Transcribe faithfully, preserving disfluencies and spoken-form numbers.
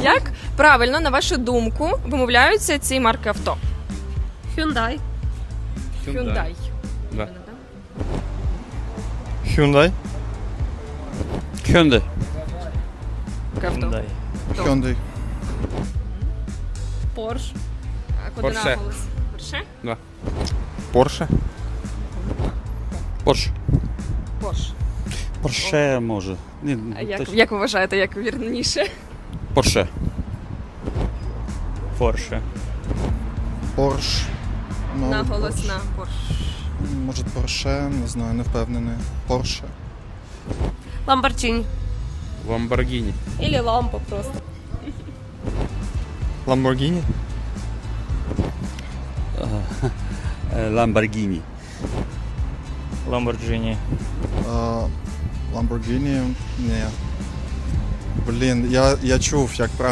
Як правильно, на вашу думку, вимовляються ці марки авто? Hyundai. Hyundai. Да. Hyundai. Hyundai. Яке авто? Hyundai. Hyundai. Porsche. А куди Porsche. наголос? Порше? Porsche. Porsche. Порш. Porsche може. Ні, А як, точно. як ви вважаєте, як вірніше? Porsche. Porsche. Porsche. Ну, Наголос Porsche. на Порш. Може Porsche, не знаю, не впевнений. Porsche. Lamborghini. Lamborghini. Или лампа просто. Lamborghini. Lamborghini. Lamborghini. А, Lamborghini. Ні. Блін, я, я чув, як правильно.